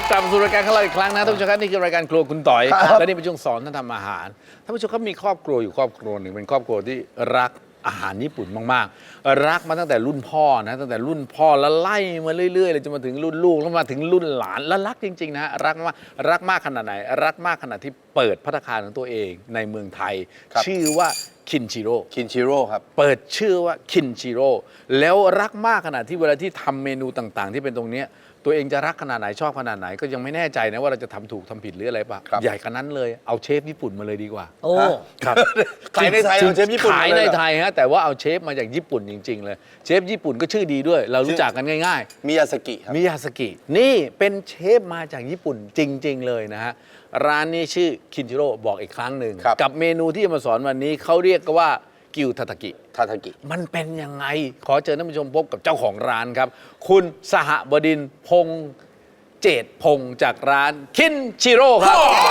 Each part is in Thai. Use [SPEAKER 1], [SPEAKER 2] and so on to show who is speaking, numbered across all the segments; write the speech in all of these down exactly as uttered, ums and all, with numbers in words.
[SPEAKER 1] กลับมาสู่รายการของเราอีกครั้งนะท่านผู้ชมครับนี่คือรายการครัวคุณต่อยและนี่เป็นช่วงสอนท่านทำอาหารท่านผู้ชมครับมีครอบครัวอยู่ครอบครัวหนึ่งเป็นครอบครัวที่รักอาหารญี่ปุ่นมากๆรักมาตั้งแต่รุ่นพ่อนะตั้งแต่รุ่นพ่อแล้วไล่มาเรื่อยๆเลยจนมาถึงรุ่นลูกแล้วมาถึงรุ่นหลานแล้วรักจริงๆนะฮะรักมากรักมากขนาดไหนรักมากขนาดที่เปิดภัตตาคารของตัวเองในเมืองไทยชื่อว่าคินชิโร่
[SPEAKER 2] คินชิโร่ครับ
[SPEAKER 1] เปิดชื่อว่าคินชิโร่แล้วรักมากขนาดที่เวลาที่ทำเมนูต่างๆ ที่เป็นตรงนี้ตัวเองจะรักขนาดไหนชอบขนาดไหนก็ยังไม่แน่ใจนะว่าเราจะทำถูกทำผิดหรืออะไรป่ะใหญ่ขนาดนั้นเลยเอาเชฟญี่ปุ่นมาเลยดีกว่า
[SPEAKER 3] โอ้
[SPEAKER 1] ครับ
[SPEAKER 2] ขายในไทยเอาเชฟญี่ปุ่น
[SPEAKER 1] ขายในไทยฮะแต่ว่าเอาเชฟมาจากญี่ปุ่นจริงๆเลยเชฟญี่ปุ่นก็ชื่อดีด้วย เรารู้จักกันง่าย
[SPEAKER 2] ๆมิยาสกิครับ
[SPEAKER 1] มิยาสกินี่เป็นเชฟมาจากญี่ปุ่นจริงๆเลยนะฮะร้านนี้ชื่อคินชิโร่บอกอีกครั้งหนึ่งกับเมนูที่จะมาสอนวันนี้เขาเรียกว่ากิวทาทากิ
[SPEAKER 2] ทาทากิ
[SPEAKER 1] มันเป็นยังไงขอเชิญท่านผู้ชมพบกับเจ้าของร้านครับคุณสหบดินทร์พงษ์เจตพงษ์จากร้านคินชิโร่ครับ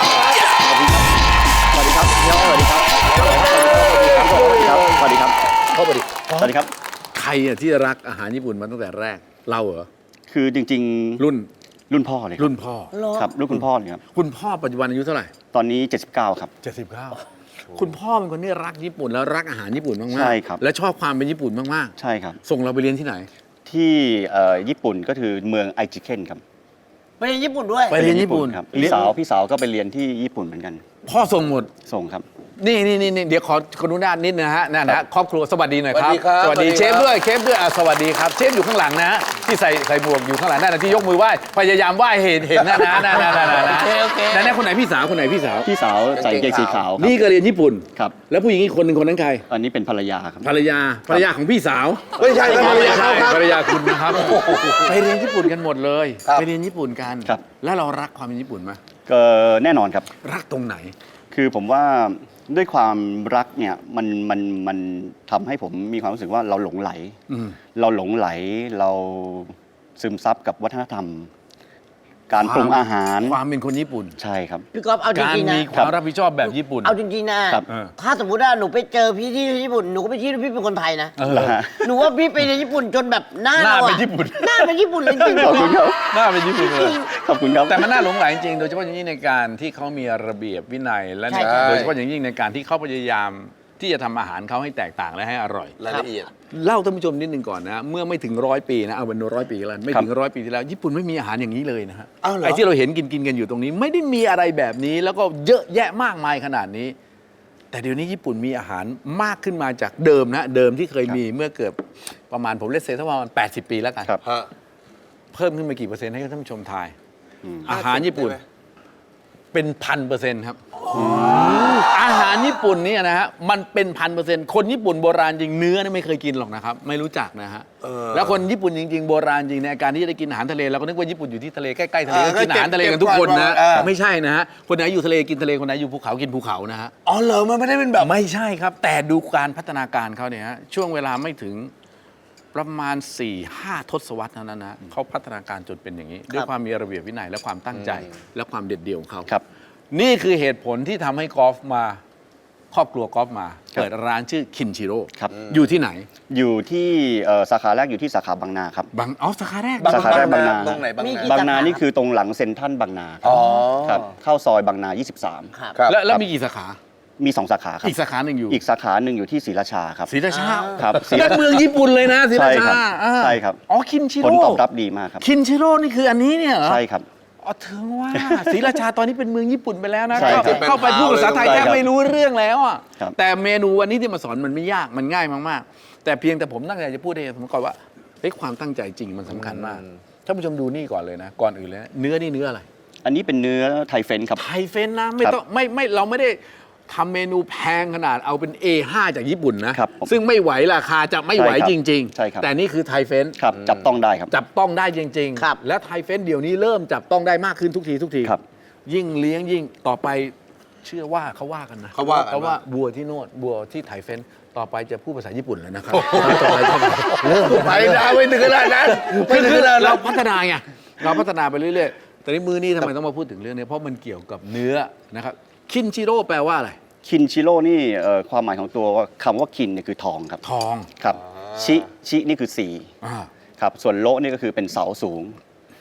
[SPEAKER 4] สวัสดีครับพี่น้องสวัสดีครับสวัสดีครับสวัสดีครับสวัสดีครับ
[SPEAKER 1] สวัสดี
[SPEAKER 4] สวัสดีครับ
[SPEAKER 1] ใครอะที่รักอาหารญี่ปุ่นมาตั้งแต่แรกเราเหรอ
[SPEAKER 4] คือจริง
[SPEAKER 1] ๆรุ่น
[SPEAKER 4] รุ่นพ่อเลย
[SPEAKER 1] รุ่นพ่อ
[SPEAKER 4] ครับรุ่นคุณพ่อเลยครับ
[SPEAKER 1] คุณพ่อปัจจุบันอายุเท่าไหร่
[SPEAKER 4] ตอนนี้เจ็ดสิบเก้าครับ
[SPEAKER 1] เจ็ดสิบเก้าคุณพ่อเป็นคนที่รักญี่ปุ่นแล้วรักอาหารญี่ปุ่นมากๆ
[SPEAKER 4] ใช่ครับ
[SPEAKER 1] และชอบความเป็นญี่ปุ่นมาก
[SPEAKER 4] ๆใช่ครับ
[SPEAKER 1] ส่งเราไปเรียนที่ไหน
[SPEAKER 4] ที่ญี่ปุ่นก็คือเมืองไอจิเคนครับ
[SPEAKER 3] ไปเรียนญี่ปุ่นด้วย
[SPEAKER 1] ไปเรียนญี่ปุ่น
[SPEAKER 4] ครับพี่สาวพี่สาวก็ไปเรียนที่ญี่ปุ่นเหมือนกัน
[SPEAKER 1] พ่อส่งหมด
[SPEAKER 4] ส่งครับ
[SPEAKER 1] นี่นี่นี่เดี๋ยวขอขออนุญาตนิดนะฮะนั่นนะครอบครัวสวัสดีหน่อยครับ
[SPEAKER 2] สวัสดี
[SPEAKER 1] เชฟด้วยเชฟด้วยสวัสดีครับเชฟอยู่ข้างหลังนะที่ใส่ใส่หมวกอยู่ข้างหลังนั่นนะที่ยกมือไหว้พยายามไหว้เห็นเห็นนะนะนะนะนะโอเคโอเคนั่นนะคนไหนพี่สาวคนไหนพี่สาว
[SPEAKER 4] พี่สาวใส่เกงสีขาว
[SPEAKER 1] นี่ก็เรียนญี่ปุ่น
[SPEAKER 4] ครับ
[SPEAKER 1] แล้วผู้หญิงอีกคนหนึ่งคนนั้นใคร
[SPEAKER 4] อันนี้เป็นภรรยาครับ
[SPEAKER 1] ภรรยาภรรยาของพี่สาว
[SPEAKER 2] ไม่ใช่ภรรยาเขาครับ
[SPEAKER 1] ภรรยาคุณนะครับไปเรียนญี่ปุ่นกันหมดเลยไปเรียนญี่ปุ่นกันแล้วเรารักความเป็นญี่ปุ่นไหม
[SPEAKER 4] ก็แน่นอนครับ
[SPEAKER 1] รักตรงไหน
[SPEAKER 4] คือผมว่าด้วยความรักเนี่ยมันมันมันทำให้ผมมีความรู้สึกว่าเราหลงไหลเราหลงไหลเราซึมซับกับวัฒนธรรมการปรุงอาหาร
[SPEAKER 1] ความเป็นคนญี่ปุ่น
[SPEAKER 4] ใช่ครับ
[SPEAKER 3] พี่ก๊อฟเอาจริงๆนะ
[SPEAKER 1] การมีความรับผิดชอบแบบญี่ปุ่น
[SPEAKER 3] เอาจริงๆนะถ้าสมมติว่าหนูไปเจอพี่ที่ญี่ปุ่นหนูก็ไปคิดว่าพี่เป็นคนไทยนะหนูว่าพี่ไปในญี่ปุ่นจนแบบหน้าเรา
[SPEAKER 1] เป็นญี่ปุ่น
[SPEAKER 3] หน้าเป็นญี่ปุ่นเลยจริงๆ
[SPEAKER 4] ขอบคุณครับ
[SPEAKER 1] หน้าเป็นญี่ปุ่นเลย
[SPEAKER 4] ขอบคุณครับ
[SPEAKER 1] แต่มันน่าหลงไหลจริงโดยเฉพาะอย่างยิ่งในการที่เขามีระเบียบวินัยและโดยเฉพาะอย่างยิ่งในการที่เขาพยายามที่จะทำอาหารเขาให้แตกต่างและให้อร่อย
[SPEAKER 2] รายละเอียด
[SPEAKER 1] เล่าท่านผู้ชมนิดนึงก่อนนะเมื่อไม่ถึงร้อยปีนะเอาเป็นร้อยปีแล้วไม่ถึงร้อยปีที่แล้วญี่ปุ่นไม่มีอาหารอย่างนี้เลยนะฮะไอ้ที่เราเห็นกินกินกันอยู่ตรงนี้ไม่ได้มีอะไรแบบนี้แล้วก็เยอะแยะมากมายขนาดนี้แต่เดี๋ยวนี้ญี่ปุ่นมีอาหารมากขึ้นมาจากเดิมนะเดิมที่เคยมีเมื่อเกือบประมาณผมเลสเซประมาณแปดสิบปีแล้วกันเพิ่มขึ้นมากี่เปอร์เซ็นต์ให้ท่านผู้ชมทายอาหารญี่ปุ่นเป็นพันเปอร์เซ็นต์ครับอาหารญี่ปุ่นนี่นะฮะมันเป็นพันเปอร์เซ็นต์คนญี่ปุ่นโบราณจริงเนื้อนี่ไม่เคยกินหรอกนะครับไม่รู้จักนะฮะแล้วคนญี่ปุ่นจริงๆโบราณจริงในการที่จะได้กินอาหารทะเลเราก็นึกว่าญี่ปุ่นอยู่ที่ทะเลใกล้ๆทะเลก็กินอาหารทะเลกันทุกคนนะไม่ใช่นะฮะคนไหนอยู่ทะเลกินทะเลคนไหนอยู่ภูเขากินภูเขานะฮะ
[SPEAKER 2] อ๋อเหรอมันไม่ได้เป็นแบบ
[SPEAKER 1] ไม่ใช่ครับแต่ดูการพัฒนาการเขาเนี่ยฮะช่วงเวลาไม่ถึงประมาณ สี่ห้า ทศวรรษเท่านั้นนะเขาพัฒนาการจนเป็นอย่างนี้ด้วยความมีระเบียบวินัยและความตั้งใจและความเด็ดเดี่ยวของเขานี่คือเหตุผลที่ทำให้กอล์ฟมาครอบครัวกอล์ฟมาเปิดร้านชื่อคินชิโร่อยู่ที่ไหน
[SPEAKER 4] อยู่ที่สาขาแรกอยู่ที่สาขาบางนาครับ
[SPEAKER 1] บางอ๋อสาขาแรก
[SPEAKER 4] สาขาแรกบางนา
[SPEAKER 2] ตรงไหนบางนา
[SPEAKER 4] บางนานี่คือตรงหลังเซ็นทรัลบางนาครับเข้าซอยบางนายี่สิบสาม
[SPEAKER 1] ครับแล้วแล้วมีกี่สาขา
[SPEAKER 4] มีสองสาขาครับ
[SPEAKER 1] อีกสาขาหนึ่งอยู่
[SPEAKER 4] อีกสาขาหนึ่งอยู่ที่ศรีราชาครับ
[SPEAKER 1] ศรีราชา
[SPEAKER 4] ครับ
[SPEAKER 1] นั่นเมืองญี่ปุ่นเลยนะศรีราชา
[SPEAKER 4] ใช่ครับ
[SPEAKER 1] อ๋อคินชิโร่
[SPEAKER 4] ผลตอบรับดีมากครับ
[SPEAKER 1] คินชิโร่นี่คืออันนี้เนี่ยเหรอ
[SPEAKER 4] ใช่ครับ
[SPEAKER 1] อ๋อถึงว่าศรีราชาตอนนี้เป็นเมืองญี่ปุ่นไปแล้วนะเข้าไปพูดภาษาไทยแทบไม่รู้เรื่องแล้วอ่ะแต่เมนูวันนี้ที่มาสอนมันไม่ยากมันง่ายมากๆแต่เพียงแต่ผมตั้งใจจะพูดให้ผมก่อนว่าเฮ้ยความตั้งใจจริงมันสำคัญมากท่านผู้ชมดูนี่ก่อนเลยนะก่อนอื่นเลยเนื้อนี่เนื้ออะไร
[SPEAKER 4] อันนี้เป็นเนื้อไทเฟนครับ
[SPEAKER 1] ไทเฟนนะไม่ต้องไม่ไม่เราไม่ได้ทำเมนูแพงขนาดเอาเป็น เอ ห้า จากญี่ปุ่นนะซึ่งไม่ไหวราคาจะไม่ไหวจริงๆแต่นี่คือไทเฟน
[SPEAKER 4] ครับจับต้องได้ครับ
[SPEAKER 1] จับต้องได้จริงๆและไทเฟนเดี๋ยวนี้เริ่มจับต้องได้มากขึ้นทุกทีทุกทียิ่งเลี้ยงยิ่งต่อไปเชื่อว่าเขาว่ากันนะ
[SPEAKER 2] เขาว่า
[SPEAKER 1] เขาว่าบัวที่โน่นบัวที่ไทเฟนต่อไปจะพูดภาษาญี่ปุ่นแล้วนะครับต่อไปเริ่ม
[SPEAKER 2] ไปนะไม่ถึงขนาดนั้น
[SPEAKER 1] คือเราพัฒนาไงเราพัฒนาไปเรื่อยๆแต่ในมือนี้ทำไมต้องมาพูดถึงเรื่องนี้เพราะมันเกี่ยวกับเนื้อนะครับคินชิโร่แปลว่าอะไร
[SPEAKER 4] คินชิโร่นี่ความหมายของตัวคำว่าคินเนี่ยคือทองครับ
[SPEAKER 1] ทอง
[SPEAKER 4] ครับชิชินี่คือสี่ครับส่วนโลนี่ก็คือเป็นเสาสูง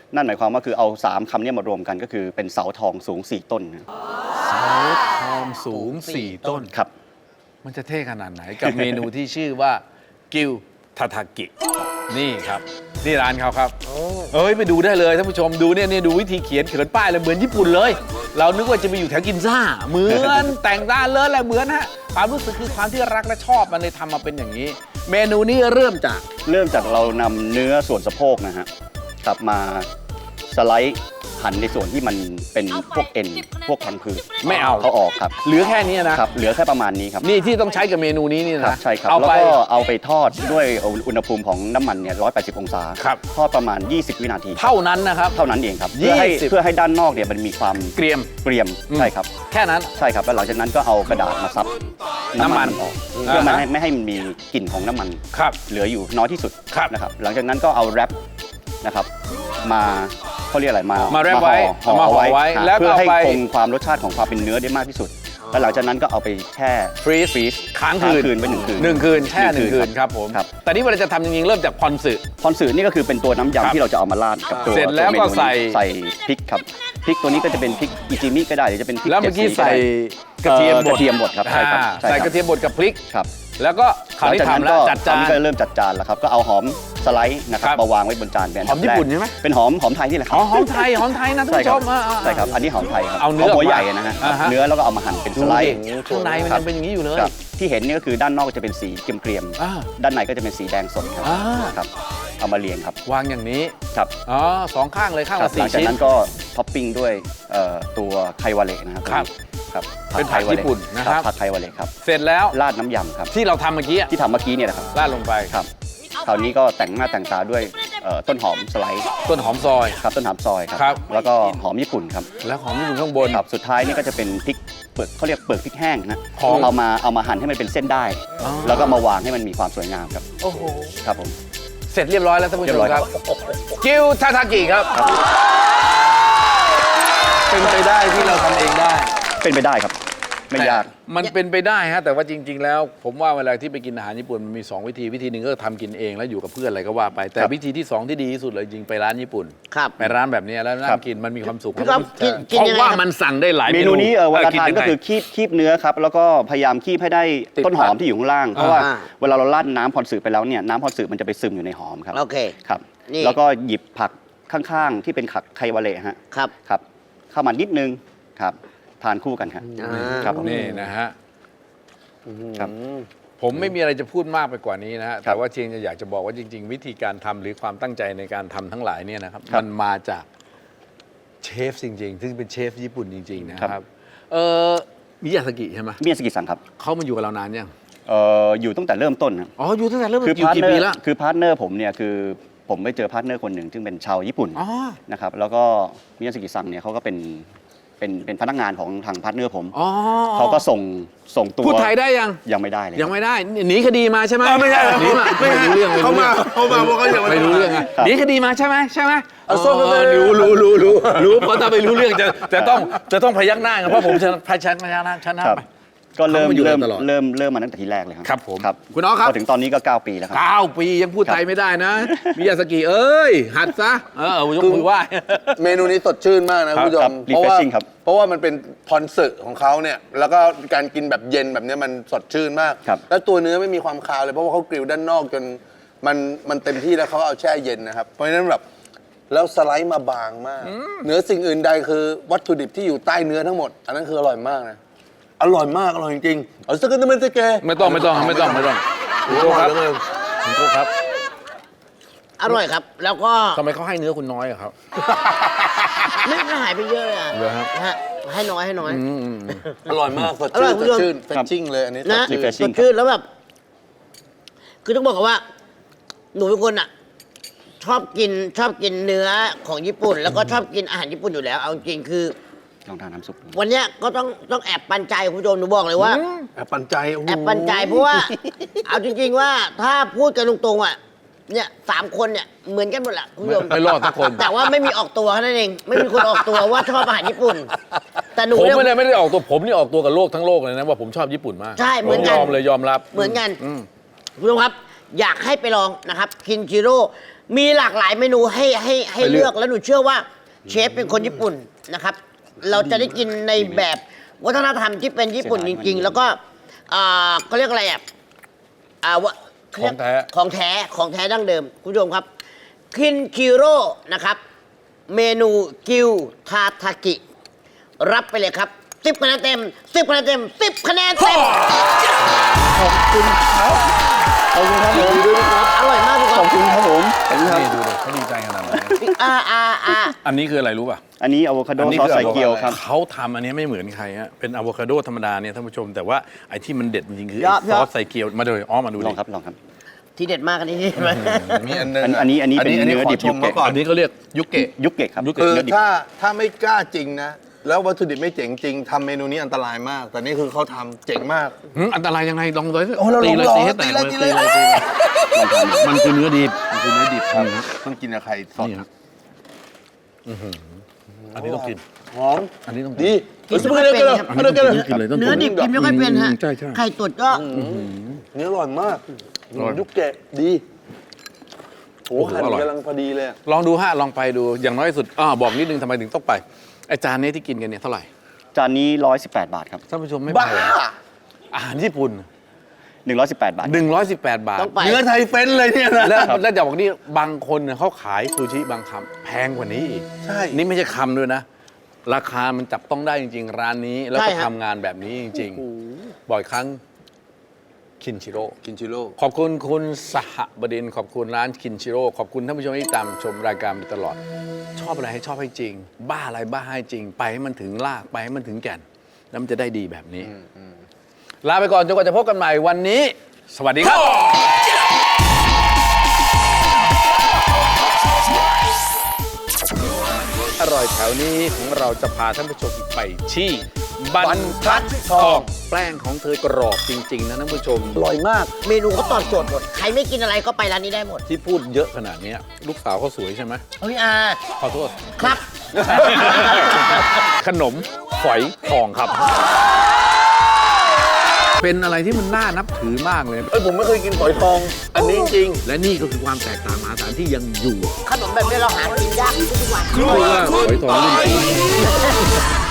[SPEAKER 4] นั่นหมายความว่าคือเอาสามคำเนี้มารวมกันก็คือเป็นเสาทองสูงสี่ต้นนะ
[SPEAKER 1] เสาทองสูงสี่ต้น
[SPEAKER 4] ครับ
[SPEAKER 1] มันจะเท่ขนาดไหนกับเมนูที่ชื่อว่ากิวทาทากิ นี่ครับนี่ร้านเขาครับเอ้ยไปดูได้เลยท่านผู้ชมดูเนี่ยเนี่ยดูวิธีเขียนเขียนป้ายเลยเหมือนญี่ปุ่นเลย เรานึกว่าจะไปอยู่แถวกินซ่าเหมือน แต่งด้านเลยแหละเหมือนฮะความรู้สึกคือความที่รักและชอบมันเลยทำมาเป็นอย่างนี้ เมนูนี้เริ่มจาก
[SPEAKER 4] เริ่มจากเรานำเนื้อส่วนสะโพกนะฮะกลับมาสไลด์หั่นในส่วนที่มันเป็นพวกเอ็นพวกพังผืด
[SPEAKER 1] ไม่เอา
[SPEAKER 4] เขาออกครับ
[SPEAKER 1] เหลือแค่นี้นะ
[SPEAKER 4] ครับเหลือแค่ประมาณนี้ครับ
[SPEAKER 1] นี่ที่ต้องใช้กับเมนูนี้นี่
[SPEAKER 4] ครับ
[SPEAKER 1] นะ
[SPEAKER 4] ใช่ครับ
[SPEAKER 1] เอา
[SPEAKER 4] แล้ว
[SPEAKER 1] ไป
[SPEAKER 4] ก็เอาไปทอดด้วยอุณหภูมิของน้ำมันเนี่ยหนึ่งร้อยแปดสิบองศา
[SPEAKER 1] ครับ
[SPEAKER 4] ทอดประมาณยี่สิบวินาที
[SPEAKER 1] เท่านั้นนะครับ
[SPEAKER 4] เท่านั้นเองครับเพื่อให้
[SPEAKER 1] ยี่สิบ
[SPEAKER 4] เพื่อให้ด้านนอกเนี่ยมันมีความ
[SPEAKER 1] เกรียม
[SPEAKER 4] เกรียม
[SPEAKER 1] อืม
[SPEAKER 4] ใช่ครับ
[SPEAKER 1] แค่นั้น
[SPEAKER 4] ใช่ครับแล้วหลังจากนั้นก็เอากระดาษมาซับ
[SPEAKER 1] น้ำมัน
[SPEAKER 4] ออกเพื่อไม่
[SPEAKER 1] อ่าฮะ
[SPEAKER 4] ให้ไม่ให้มันมีกลิ่นของน้ำมัน
[SPEAKER 1] ครับ
[SPEAKER 4] เหลืออยู่น้อยที่สุด
[SPEAKER 1] ครับ
[SPEAKER 4] นะครับหลังจากนั้นก็เอาแรปนะครับมาเขาเรียกอะไรมา
[SPEAKER 1] มา
[SPEAKER 4] มา
[SPEAKER 1] แรปไว้
[SPEAKER 4] ห่อ
[SPEAKER 1] มาห่อไว้
[SPEAKER 4] ฮะ
[SPEAKER 1] แล้วก็
[SPEAKER 4] เพื่อให้
[SPEAKER 1] เอาไป
[SPEAKER 4] คงความรสชาติของความเป็นเนื้อได้มากที่สุดแล้วหลังจากนั้นก็เอาไปแช่
[SPEAKER 1] ฟรีซ
[SPEAKER 4] ฟรีซ
[SPEAKER 1] ค้างคืน
[SPEAKER 4] คืนไปหนึ่งคืน
[SPEAKER 1] หนึ่งคืนแช่ห
[SPEAKER 4] หนึ่
[SPEAKER 1] นึ่ง
[SPEAKER 4] งคื
[SPEAKER 1] คื
[SPEAKER 4] น
[SPEAKER 1] นครับผม
[SPEAKER 4] ครับ
[SPEAKER 1] แต่นี่เวลาจะทำจริงๆเริ่มจากพอนสึ
[SPEAKER 4] พอนสืนี่ก็คือเป็นตัวน้ำ
[SPEAKER 1] ครับ
[SPEAKER 4] ยำที่เราจะเอามาราดกับตัว
[SPEAKER 1] เสร็จแล้ว
[SPEAKER 4] ตัวม
[SPEAKER 1] ก็
[SPEAKER 4] นูนี้
[SPEAKER 1] ใส่
[SPEAKER 4] ใส่พริกครับพริกตัวนี้ก็จะเป็นพริกอิจิมิก็ได้หรือจะเป็นพริก
[SPEAKER 1] แล้วเมื่อกี้
[SPEAKER 4] จ็ดสี
[SPEAKER 1] ใส่
[SPEAKER 4] ก็
[SPEAKER 1] กระ
[SPEAKER 4] ได้
[SPEAKER 1] เทียมบ
[SPEAKER 4] ก
[SPEAKER 1] ด
[SPEAKER 4] ระเทียมบดครับใช่ครับ
[SPEAKER 1] อ่า
[SPEAKER 4] ใช่
[SPEAKER 1] ใส่
[SPEAKER 4] ค
[SPEAKER 1] ก
[SPEAKER 4] รั
[SPEAKER 1] ระเทียมบดกับพริก
[SPEAKER 4] ครับ
[SPEAKER 1] แล้วก็คราวนี้ทำแล้วจัด
[SPEAKER 4] ครา
[SPEAKER 1] จาว
[SPEAKER 4] นี้
[SPEAKER 1] น
[SPEAKER 4] ก็เริ่มจัดจานแล้วครับก็เอาหอมสไลด์นะครั
[SPEAKER 1] ครับ บ
[SPEAKER 4] มาวางไว้บนจานเป็นอัน
[SPEAKER 1] หอ
[SPEAKER 4] ดั
[SPEAKER 1] ม
[SPEAKER 4] บ
[SPEAKER 1] ญี่
[SPEAKER 4] แรก
[SPEAKER 1] ปุ่นใช่ไหม
[SPEAKER 4] เป็นหอมหอมไทยนี่แหละค
[SPEAKER 1] อ๋
[SPEAKER 4] รั
[SPEAKER 1] อบ หอมไทยหอมไทยนะท่าน
[SPEAKER 4] ใช่
[SPEAKER 1] ผู้
[SPEAKER 4] ค
[SPEAKER 1] ช
[SPEAKER 4] รับ
[SPEAKER 1] มอ่าๆ
[SPEAKER 4] ใช่ครับอันนี้หอมไทยครับ
[SPEAKER 1] เอาเนื้อ
[SPEAKER 4] หัว
[SPEAKER 1] ออกมา
[SPEAKER 4] ใหญ่นะฮะ
[SPEAKER 1] อ่าฮะ
[SPEAKER 4] เนื้อแล้วก็เอามาหั่นเป็นส
[SPEAKER 1] ดู
[SPEAKER 4] ไล
[SPEAKER 1] ดิ
[SPEAKER 4] ด์
[SPEAKER 1] ข้างในมัน
[SPEAKER 4] ครับ
[SPEAKER 1] ยังเป็นอย่างนี้อยู่เลย
[SPEAKER 4] ครับที่เห็นนี่ก็คือด้านนอกจะเป็นสีเกรียม
[SPEAKER 1] อ่า
[SPEAKER 4] ๆด้านในก็จะเป็นสีแดงสดครับ
[SPEAKER 1] อ่า
[SPEAKER 4] ครับเอามาเรียงครับ
[SPEAKER 1] วางอย่างนี้
[SPEAKER 4] ครับ
[SPEAKER 1] อ๋อสองข้างเลยข้าง
[SPEAKER 4] ครั
[SPEAKER 1] ละ
[SPEAKER 4] บหลั
[SPEAKER 1] สี่
[SPEAKER 4] งจาก
[SPEAKER 1] ชิ้น
[SPEAKER 4] นั้นก็ท็อปปิ้งด้วยเอ่อตัวไควาเละนะครับ
[SPEAKER 1] ครับ
[SPEAKER 4] ครับ
[SPEAKER 1] เป็นผัก
[SPEAKER 4] ไควาละ
[SPEAKER 1] ญี่ปุ่นนะครับ
[SPEAKER 4] ผักไควาเละครับ
[SPEAKER 1] เสร็จแล้ว
[SPEAKER 4] ราดน้ำยำครับ
[SPEAKER 1] ที่เราทำเมื่อกี้อะ
[SPEAKER 4] ที่ทำเมื่อกี้เนี่ยนะครับ
[SPEAKER 1] ราดลงไป
[SPEAKER 4] ครับคราวนี้ก็แต่งหน้าแต่งตาด้วยเอ่อต้นหอมสไลด์
[SPEAKER 1] ต้นหอมซอย
[SPEAKER 4] ครับต้นหอมซอยครับ
[SPEAKER 1] ครับ
[SPEAKER 4] แล้วก็หอมญี่ปุ่นครับ
[SPEAKER 1] แล้วหอมญี่ปุ่นข้างบน
[SPEAKER 4] ครับสุดท้ายนี่ก็จะเป็นพริกเปลือกเขาเรียกเปลือกพริกแห้งนะ
[SPEAKER 1] ของ
[SPEAKER 4] เอามาเอามาหั่นให้มันเป็นเส้นได้
[SPEAKER 1] อ๋อ
[SPEAKER 4] แล้วก็มาวางให้มันมีความสวยงามครับ
[SPEAKER 1] โอ้โห
[SPEAKER 4] ครับผม
[SPEAKER 1] เสร็จเรียบร้อยแล้วท่านผู้ช
[SPEAKER 4] เรีย
[SPEAKER 1] ม
[SPEAKER 4] บร้อย
[SPEAKER 1] ค
[SPEAKER 4] ครั
[SPEAKER 1] รับบ กิวทาทากิครับ
[SPEAKER 2] เป็นไปได้ที่เราทำเองได้
[SPEAKER 4] เป็นไปได้ครับ ไม่ยาก
[SPEAKER 1] มันเป็นไปได้ฮะแต่ว่าจริง ๆ แล้ว ผมว่าเวลาที่ไปกินอาหารญี่ปุ่นมันมีสองวิธีวิธีหนึ่งก็ทำกินเองแล้วอยู่กับเพื่อนอะไรก็ว่าไป แต่
[SPEAKER 4] ครับ
[SPEAKER 1] วิธีที่สองที่ดีที่สุดเลยจริงไปร้านญี่ปุ่น
[SPEAKER 3] ครับ
[SPEAKER 1] ไปร้านแบบนี้แล้วนั่
[SPEAKER 4] ครั
[SPEAKER 1] ง
[SPEAKER 4] บ
[SPEAKER 1] กินมันมีความสุข
[SPEAKER 3] พี่ก๊อฟกินกิน
[SPEAKER 1] เพราะ
[SPEAKER 3] ยังไง
[SPEAKER 1] ว่า
[SPEAKER 3] ครับ
[SPEAKER 1] มันสั่งได้หลาย
[SPEAKER 4] เมนูนี้เออเวลา
[SPEAKER 1] คิด
[SPEAKER 4] ทาน
[SPEAKER 1] ยัง
[SPEAKER 4] ก็
[SPEAKER 1] ไง
[SPEAKER 4] คือคีบคีบเนื้อครับ แล้วก็พยายามคีบให้ได้
[SPEAKER 1] ติด
[SPEAKER 4] ต้นหอ
[SPEAKER 1] ผั
[SPEAKER 4] ม
[SPEAKER 1] ก
[SPEAKER 4] ที่อยู่ข้างล่าง เพราะว่า
[SPEAKER 3] อ่า
[SPEAKER 4] เวลาเราราดน้ำพรสืบไปแล้วเนี่ยน้ำพรสืบมันจะไปซึมอยู่ในหอมครับ
[SPEAKER 3] โอเค
[SPEAKER 4] ครับ
[SPEAKER 3] นี่
[SPEAKER 4] แล้วก็หยิบผักข้างๆ ที่เป็นผักไควาเละฮะ
[SPEAKER 3] ครับ
[SPEAKER 4] ครับเข้ามานิดนึงครับทานคู่กันครับ
[SPEAKER 3] อ่า
[SPEAKER 4] ครับผม
[SPEAKER 1] นี่นะฮะ
[SPEAKER 4] ครับ
[SPEAKER 1] ผมไม่มีอะไรจะพูดมากไปกว่านี้นะฮะ
[SPEAKER 4] ครั
[SPEAKER 1] แต่
[SPEAKER 4] บ
[SPEAKER 1] ว่าเชียงจะอยากจะบอกว่าจริง ๆ วิธีการทำหรือความตั้งใจในการทำทั้งหลายเนี่ยนะครับ
[SPEAKER 4] ครับ
[SPEAKER 1] มันมาจากเชฟจริง ๆ ซึ่งเป็นเชฟญี่ปุ่นจริง ๆ นะค
[SPEAKER 4] ครั
[SPEAKER 1] รับบ เออมิยาสกิใช่ไหม
[SPEAKER 4] เมียสกิสังครับ
[SPEAKER 1] เขามาอยู่กับเรานานยัง
[SPEAKER 4] เอ่ออยู่ตั้งแต่เริ่มต้นนะ
[SPEAKER 1] อ๋ออยู่ตั้งแต่เริ่ม
[SPEAKER 4] คือ
[SPEAKER 1] อยู่
[SPEAKER 4] พาร์ท
[SPEAKER 1] กี่
[SPEAKER 4] เนอ
[SPEAKER 1] ปี
[SPEAKER 4] ร์
[SPEAKER 1] แล้ว
[SPEAKER 4] คือพาร์ทเนอร์ผมเนี่ยคือผมไปเจอพาร์ทเนอร์คนหนึ่งซึ่งเป็นชาวญี่ปุ่น
[SPEAKER 1] อ๋อ
[SPEAKER 4] นะครับแล้วก็มิยาสกิซังเนี่ยเขาก็เป็นเป็นเป็นพนักงานของทางพาร์ทเนอร์ผม
[SPEAKER 1] อ๋อ
[SPEAKER 4] เขาก็ส่งส่งตัว
[SPEAKER 1] พูดไทยได้ยัง
[SPEAKER 4] ยังไม่ได้เลย
[SPEAKER 1] ยังไม่ได้หนีคดีมาใช่ไหม
[SPEAKER 2] เออไม่ใช่
[SPEAKER 1] หนีมาไม่รู้เรื่องไม่
[SPEAKER 2] เขา
[SPEAKER 1] รู้
[SPEAKER 2] มา
[SPEAKER 1] เรื่อง
[SPEAKER 2] เขามาเพราะเขายัง
[SPEAKER 1] ไม่รู้เรื่องอะหนีคดีมาใช่ไหมใช่ไหม
[SPEAKER 2] เอาส้มไปเลย
[SPEAKER 1] รู้รู้รู้รู้รู้เพราะถ้าไม่รู้เรื่องจะจะต้องจะต้องพยักหน้ากันเพราะผมจะพยักหน้าชนะชนะครับ ไป
[SPEAKER 4] ก็เริ่ม
[SPEAKER 1] เขามาอยู่
[SPEAKER 4] เริ่ม
[SPEAKER 1] ตลอด
[SPEAKER 4] เริ่มเริ่มมาตั้งแต่ทีแรกเลยครับ
[SPEAKER 1] ครับผม
[SPEAKER 4] ครับ
[SPEAKER 1] คุณน้องครับ
[SPEAKER 4] พอถึงตอนนี้ก็เก้าปีแล้วครับ
[SPEAKER 1] เก้าปียังพูดไทยไม่ได้นะมิยาสกิเอ้ย หัดซะ เออเอายกมือไหว้
[SPEAKER 2] เมนูนี้สดชื่นมากนะ
[SPEAKER 1] ครั
[SPEAKER 2] คุ
[SPEAKER 1] บ
[SPEAKER 2] ณผู้ช
[SPEAKER 4] ครั
[SPEAKER 2] ม
[SPEAKER 4] บ
[SPEAKER 2] เพราะว่า
[SPEAKER 4] refreshing ครับ
[SPEAKER 2] เพราะว่ามันเป็นพรสึของเขาเนี่ยแล้วก็การกินแบบเย็นแบบเนี้ยมันสดชื่นมาก
[SPEAKER 4] ครับ
[SPEAKER 2] แล้วตัวเนื้อไม่มีความคาวเลยเพราะว่าเขากริลด้านนอกจนมันมันเต็มที่แล้วเขาเอาแช่เย็นนะครับเพราะฉะนั้นแบบแล้วสไลด์มาบางมากเหนือสิ่งอื่นใดคือวัตถุดิบที่อยู่ใต้เนื้อทั้งหมด อันนั้นคืออร่อยมากนะอร่อยมากอร่อยจริงๆเอาสักนิดนึงสเก
[SPEAKER 1] ไม่ต้องไม่ต้องไม่ต้องไม่ต้องคุณโก้ครับคุณโก้ครับ
[SPEAKER 3] อร่อยครับ แล้วก็
[SPEAKER 1] ทำไมเขาให้เนื้อคุณน้อยอะครับ
[SPEAKER 3] ไม่ไม่หายไปเยอะเลยอ่ะ
[SPEAKER 1] เหรอครับ
[SPEAKER 3] นะฮะให้น้อยให้น้อย
[SPEAKER 1] อืมอืมอืม
[SPEAKER 2] อร่อยมากสด
[SPEAKER 3] อร่
[SPEAKER 2] ชื่
[SPEAKER 3] อย
[SPEAKER 2] น
[SPEAKER 3] คุณผู้ชม
[SPEAKER 2] สดชื่นเฟรชชิ่งเลยอันนี้ส
[SPEAKER 3] นะ
[SPEAKER 2] ดชื่น
[SPEAKER 4] refreshing
[SPEAKER 3] สดชื่นแล้วแบบ คือต้องบอกก่อนว่า หนูเป็นคนอ่ะ ชอบกินชอบกินเนื้อของญี่ปุ่น แล้วก็ชอบกินอาหารญี่ปุ่นอยู่แล้ว เอาจริงๆคือ
[SPEAKER 4] ลองทานน้ำซุปดู
[SPEAKER 3] วันเนี้ยก็ต้องต้องแอบปันใจคุณผู้ชมหนูบอกเลยว่า
[SPEAKER 2] แอบปันใจโโห
[SPEAKER 3] แอบปันใจเพราะว่า เอาจริง ๆ ว่าถ้าพูดกันตรงๆอ่ะเนี่ยสามคนเนี่ยเหมือนกันหมดแหละคุณผู้ชม
[SPEAKER 1] ไม่รอดสักคน
[SPEAKER 3] แต่ว่าไม่มีออกตัวแค่นั้นเองไม่มีคนออกตัวว่าชอบอาหารญี่ปุ่น แต่หนู
[SPEAKER 1] ผม
[SPEAKER 3] เนี่ย
[SPEAKER 1] ไม่ได้ไม่ได้ออกตัวผมนี่ออกตัวกับโลกทั้งโลกเลยนะว่าผมชอบญี่ปุ่นมาก
[SPEAKER 3] ใช่เหมือนกัน
[SPEAKER 1] ผยอมเลยยอมรับ
[SPEAKER 3] เหมือนกัน
[SPEAKER 1] อืม
[SPEAKER 3] คุณผู้ชมครับ อยากให้ไปลองนะครับคินจิโร่มีหลากหลายเมนูให้ให้ให้
[SPEAKER 1] ให้เลื
[SPEAKER 3] เลื
[SPEAKER 1] อ
[SPEAKER 3] อก กแล้วหนูเชื่อว่าเชฟเป็นคนญี่ปุ่นนะครับ เราจะได้กินในแบบวัฒนธรรมที่เป็นญี่ปุ่นจริง ๆ แล้วก็อ่าเขาเรียกอะไรอ่ะอ่าวะเขาเรียก
[SPEAKER 1] ของแท้
[SPEAKER 3] ของแท้ของแท้ดั้งเดิมคุณผู้ชมครับคินคิโร่นะครับ เมนูกิวทาทากิ รับไปเลยครับสิบคะแนนเต็มสิบคะแนนเต็มสิบคะแนนเต็ม
[SPEAKER 4] ขอบคุณครับขอบคุณครับผม
[SPEAKER 3] อร่อยมากทุกค
[SPEAKER 4] ข
[SPEAKER 3] น
[SPEAKER 4] อบคุณครับผมขอบคุณครับ
[SPEAKER 1] นี่ดูเลยเขาดีใจขนาดไหน
[SPEAKER 3] อ่าอ่าอ่า
[SPEAKER 1] อันนี้คืออะไรรู้ป่ะ
[SPEAKER 4] อันนี้อะโวคาโด
[SPEAKER 1] อันนี้
[SPEAKER 4] ซอส
[SPEAKER 1] คือ
[SPEAKER 4] ใส่เกี๊ยวครับ
[SPEAKER 1] เขาทำอันนี้ไม่เหมือนใครฮะเป็นอะโวคาโดธรรมดาเนี่ยท่านผู้ชม แต่ว่าไอ้ที่มันเด็ดจริงๆคือไอ้ซอสใส่เกี๊ยวมาเลยอ๋อมาดู
[SPEAKER 4] ล
[SPEAKER 1] ดิ
[SPEAKER 4] องครับลองครับ
[SPEAKER 3] ที่เด็ดมากอันนี้ใช่ไหม
[SPEAKER 2] มีอันหนึง
[SPEAKER 4] อันอันนี้อันนี้เป็นเนื้อดิบ
[SPEAKER 2] ขชม
[SPEAKER 4] ยุคเกะ
[SPEAKER 2] เขาก่อน
[SPEAKER 1] อันนี้เขาเรียกยุกเกะ
[SPEAKER 4] ยุกเกะครับ
[SPEAKER 1] ยุกเกะ
[SPEAKER 2] คือ
[SPEAKER 4] เนื้อดิบ
[SPEAKER 2] ถ้าถ้าไม่กล้าจริงนะ แล้ววัตถุดิบไม่เจ๋งจริงทำเมนูนี้อันตรายมาก แต่นี่คือเขาทำเจ๋งมาก
[SPEAKER 1] หืมอันตรายยังไงลองเลย
[SPEAKER 2] โอ้เรา
[SPEAKER 1] ตีเลย
[SPEAKER 2] ลอง
[SPEAKER 1] ตีให้แตก
[SPEAKER 2] ตี
[SPEAKER 1] เล
[SPEAKER 2] เลย ย
[SPEAKER 1] ตีเลย
[SPEAKER 2] ตี
[SPEAKER 1] ตี
[SPEAKER 2] เล
[SPEAKER 1] เลย ยมันคือเนื้อดิบ
[SPEAKER 2] มันคือเนื้อดิบครับต้องกินกับไข่สด
[SPEAKER 1] นี่ครับอื้อหืออันนี้ต้องกิน
[SPEAKER 2] หอม
[SPEAKER 1] อันนี้ต้องกิน
[SPEAKER 2] ดี
[SPEAKER 3] กินไม่ค่อยเป็นครับ
[SPEAKER 1] อันนี้ต้องกินเลยต้องกิน
[SPEAKER 3] เนื้อดิบกินไม่ค่อยเป็นฮะ
[SPEAKER 1] อืมใช่ใช่
[SPEAKER 3] ไข่ตุ๋นก็
[SPEAKER 2] เนื้ออร่อยมาก
[SPEAKER 1] อร่อย
[SPEAKER 2] ยุกเกะดีโอ้
[SPEAKER 1] โอ้โห
[SPEAKER 2] หั่น
[SPEAKER 1] อร่อย
[SPEAKER 2] กำลังพอดีเลยอะ
[SPEAKER 1] ลองดูฮะลองไปดูอย่างน้อยที่สุดอ่าบอกนิดนึงทำไมถึงต้องไปไอาจานนี้ที่กินกันเนี่ยเท่าไหร่
[SPEAKER 4] จานนี้ร้อยสิบแปดบาทครับ
[SPEAKER 1] ท่านผู้ชมไม่
[SPEAKER 2] บ้า
[SPEAKER 1] ไปเหรออาหารญี่ปุ่น
[SPEAKER 4] หนึ่งร้อยสิบแปดบาท
[SPEAKER 1] หนึ่งร้อยสิบแปดบาท
[SPEAKER 3] ต้องไป
[SPEAKER 2] เนื้อไทยเฟ้นเลยเนี่ยนะ
[SPEAKER 1] แล้วแล้วจะบอกนี่บางคนเนี่ยเขาขายซูชิบางคำแพงกว่านี้อีก
[SPEAKER 2] ใช่
[SPEAKER 1] นี่ไม่ใช่คำด้วยนะ ราคามันจับต้องได้จริง ๆ ร้านนี้ แล้ว
[SPEAKER 3] ใช่
[SPEAKER 1] ก็
[SPEAKER 3] ฮะ
[SPEAKER 1] ทำงานแบบนี้จริง ๆ บ่อยครั้งคินชิโร่
[SPEAKER 2] กินชิโร่
[SPEAKER 1] ขอบคุณคุณสหบดินทร์ขอบคุณร้านคินชิโร่ขอบคุณท่านผู้ชมที่ตามชมรายการมาตลอด ชอบอะไรให้ชอบให้จริง บ้าอะไรบ้าให้จริง ไปให้มันถึงรากไปให้มันถึงแก่น แล้วมันจะได้ดีแบบนี้ ลาไปก่อนจนกว่าจะพบกันใหม่วันนี้ สวัสดีครับ อร่อยแถวนี้ของเราจะพาท่านผู้ชมไปที่บรรทัดทองแป้งของเธอกรอบจริง ๆ นะท่านผู้ชม
[SPEAKER 2] อร่อยมาก
[SPEAKER 3] เมนูเขาตอบโจทย์หมด ใครไม่กินอะไรก็ไปร้านนี้ได้หมด
[SPEAKER 1] ที่พูดเยอะขนาดนี้ลูกสาวเขาสวยใช่ไหม
[SPEAKER 3] เฮ้ยอา
[SPEAKER 1] ขอโทษ
[SPEAKER 3] ครับ
[SPEAKER 1] ขนมฝอยทองครับ เป็นอะไรที่มันน่านับถือมากเลย
[SPEAKER 2] เอ้ยผมไม่เคยกินฝอยทอง อันนี้จริง
[SPEAKER 1] และนี่ก็คือความแตกต่างมหาศาลที่ยังอยู่
[SPEAKER 3] ขนมแบบนี้เราหากินยากทุกวัน
[SPEAKER 1] คือว่าฝอยทองรุ่น